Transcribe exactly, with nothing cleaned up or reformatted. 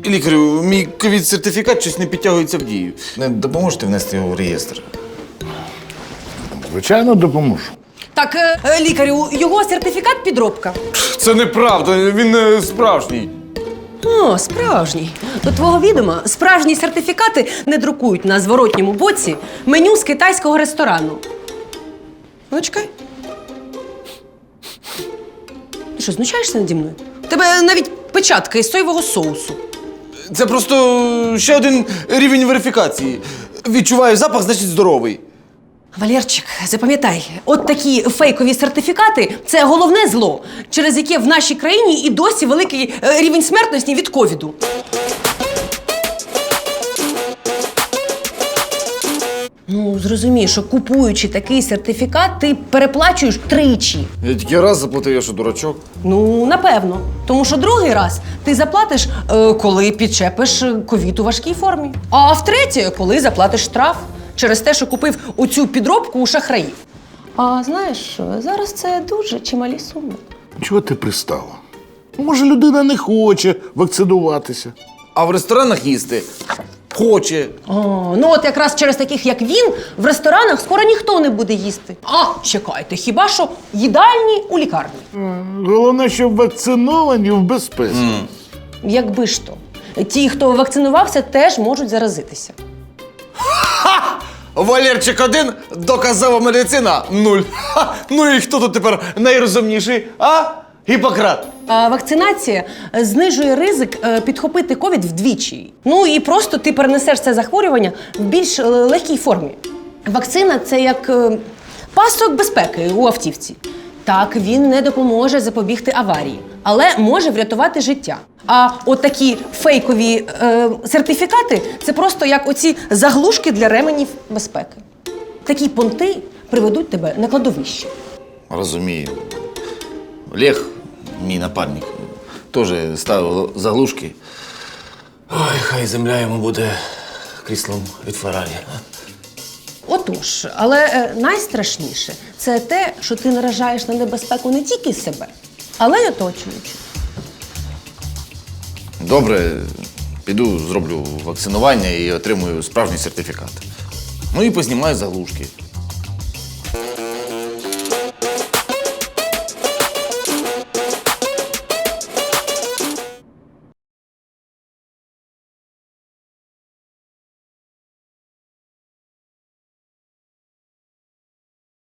Лікарю, мій ковід-сертифікат щось не підтягується в дію. Не допоможете внести його в реєстр? Звичайно, допоможу. Так, е, лікарю, його сертифікат підробка. Це неправда, він е, справжній. О, справжній. До твого відома, справжні сертифікати не друкують на зворотньому боці меню з китайського ресторану. Ну, чекай. Ти що, знущаєшся наді мною? У тебе навіть печатка із соєвого соусу. Це просто ще один рівень верифікації. Відчуваю запах, значить здоровий. Валерчик, запам'ятай, от такі фейкові сертифікати – це головне зло, через яке в нашій країні і досі великий е, рівень смертності від ковіду. Ну, зрозумій, що купуючи такий сертифікат, ти переплачуєш тричі. Я тільки раз заплатив, я що, дурачок? Ну, напевно. Тому що другий раз ти заплатиш, е, коли підчепиш е, ковід у важкій формі. А втретє, коли заплатиш штраф через те, що купив оцю підробку у шахраїв. А знаєш що, зараз це дуже чималі суми. Чого ти пристала? Може, людина не хоче вакцинуватися. А в ресторанах їсти хоче. О, ну от якраз через таких, як він, в ресторанах скоро ніхто не буде їсти. А, чекайте, хіба що їдальні у лікарні. Головне, щоб вакциновані в безпеці. Mm. Якби ж то. Ті, хто вакцинувався, теж можуть заразитися. Ха! Валерчик один, доказова медицина нуль. Ха! Ну і хто тут тепер найрозумніший, а? Гіппократ. А вакцинація знижує ризик е, підхопити ковід вдвічі. Ну і просто ти перенесеш це захворювання в більш е, легкій формі. Вакцина – це як е, пасок безпеки у автівці. Так, він не допоможе запобігти аварії, але може врятувати життя. А от такі фейкові е, сертифікати – це просто як оці заглушки для ременів безпеки. Такі понти приведуть тебе на кладовище. Розумію. Олег, мій напарник, теж ставив заглушки. Ой, хай земля йому буде кріслом від Феррарі. Отож, але е, найстрашніше – це те, що ти наражаєш на небезпеку не тільки себе, але й оточуючих. Добре, піду зроблю вакцинування і отримую справжній сертифікат. Ну і познімаю заглушки.